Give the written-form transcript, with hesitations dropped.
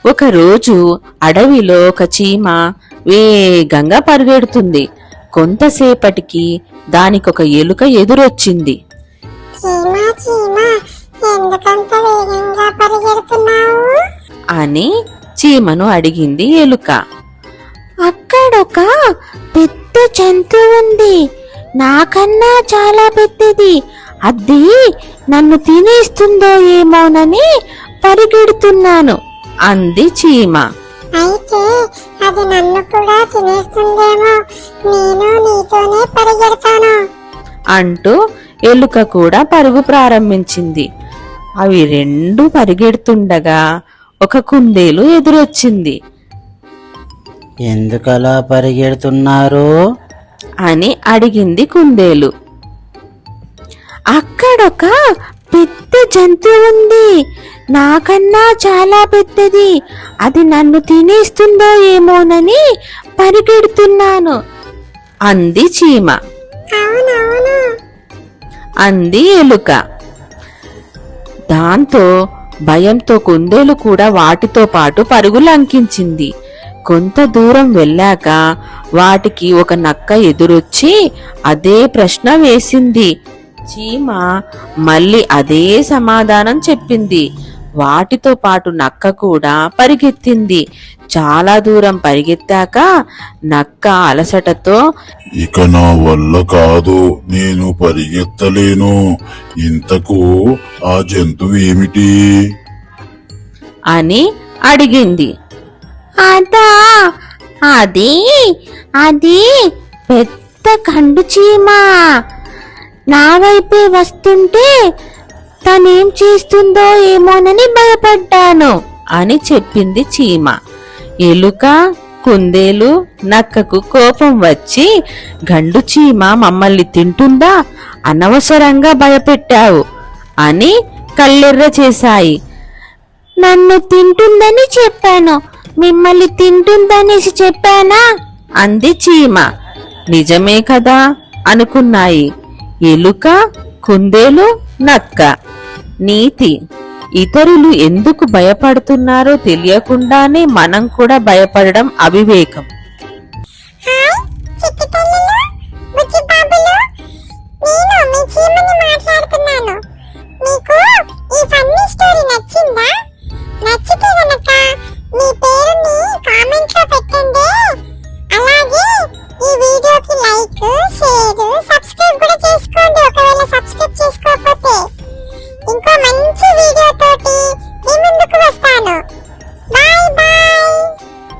ఒకరోజు అడవిలో ఒక చీమ వేగంగా పరిగెడుతుంది. కొంతసేపటికి దానికొక ఎలుక ఎదురొచ్చింది. చీమా చీమా ఎందుకంత వేగంగా పరిగెడుతున్నావు అని చీమను అడిగింది ఎలుక. అక్కడొక పెద్ద జంతువు ఉంది, నాకన్నా చాలా పెద్దది. అది నన్ను తినేస్తుందో ఏమోనని పరిగెడుతున్నాను అంది చీమ. అయితే అది నన్ను కూడా తినేస్తుందేమో, నేను నీతోనే పరిగెడతాను అంటూ ఎలుక కూడా పరుగు ప్రారంభించింది. అవి రెండు పరిగెడుతుండగా ఒక కుందేలు ఎదురొచ్చింది. ఎందుకలా పరిగెడుతున్నారు అని అడిగింది కుందేలు. అక్కడొక పెద్ద జంతువు ఉంది, నాకన్నా చాలా పెద్దది. అది నన్ను తినేస్తుందో ఏమోనని పరిగెడుతున్నాను అంది చీమ. అవునవును అంది ఎలుక. దాంతో భయంతో కుందేలు కూడా వాటితో పాటు పరుగులంకించింది. కొంత దూరం వెళ్ళాక వాటికి ఒక నక్క ఎదురొచ్చి అదే ప్రశ్న వేసింది. చీమ మళ్ళీ అదే సమాధానం చెప్పింది. వాటితో పాటు నక్క కూడా పరిగెత్తింది. చాలా దూరం పరిగెత్తాక నక్క అలసటతో, ఇక నా వల్ల కాదు, నేను పరిగెత్తలేను. ఇంతకు ఆ జంతువు ఏమిటి అని అడిగింది. అదా, అది అది పెద్ద గండు చీమ. నా వైపే వస్తుంటే తనేం చేస్తుందో ఏమోనని భయపడ్డాను అని చెప్పింది చీమ. ఎలుక, కుందేలు, నక్కకు కోపం వచ్చి, గండు చీమ మమ్మల్ని తింటుందా, అనవసరంగా భయపెట్టావు అని కళ్ళెర్ర చేశాయి. నన్ను తింటుందని చెప్పాను, మిమ్మల్ని తింటుందనేసి చెప్పానా అంది చీమ. నిజమే కదా అనుకున్నాయి ఎలుక, కుందేలు, నక్క. నీతి: ఇతరులు ఎందుకు భయపడుతున్నారో తెలియకుండానే మనం కూడా భయపడడం అవివేకం. హాయ్ చిట్టి తల్లులు, బుజ్జి బాబులు, నేను మీ చీమని మాట్లాడుతున్నాను. మీకు ఈ ఫన్నీ స్టోరీ నచ్చిందా? నచ్చితే